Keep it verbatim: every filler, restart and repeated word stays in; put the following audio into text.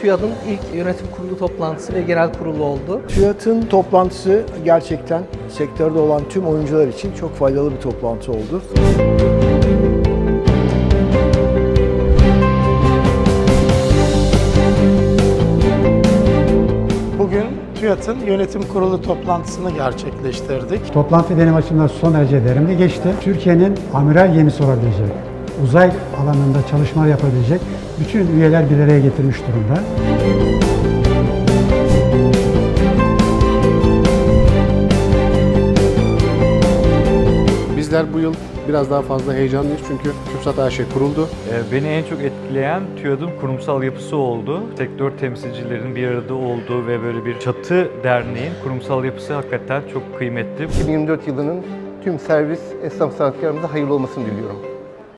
TÜYAD'ın ilk yönetim kurulu toplantısı ve genel kurulu oldu. TÜYAD'ın toplantısı gerçekten sektörde olan tüm oyuncular için çok faydalı bir toplantı oldu. Bugün TÜYAD'ın yönetim kurulu toplantısını gerçekleştirdik. Toplantı benim açımdan son derece verimli geçti. Türkiye'nin amiral gemisi olabilecek, uzay alanında çalışmalar yapabilecek bütün üyeler bir araya getirmiş durumda. Bizler bu yıl biraz daha fazla heyecanlıyız çünkü TÜRKSAT A Ş kuruldu. Beni en çok etkileyen TÜYAD'ın kurumsal yapısı oldu. Sektör temsilcilerinin bir arada olduğu ve böyle bir çatı derneğin kurumsal yapısı hakikaten çok kıymetli. iki bin yirmi dört yılının tüm servis esnaf sanatkarımıza hayırlı olmasını diliyorum.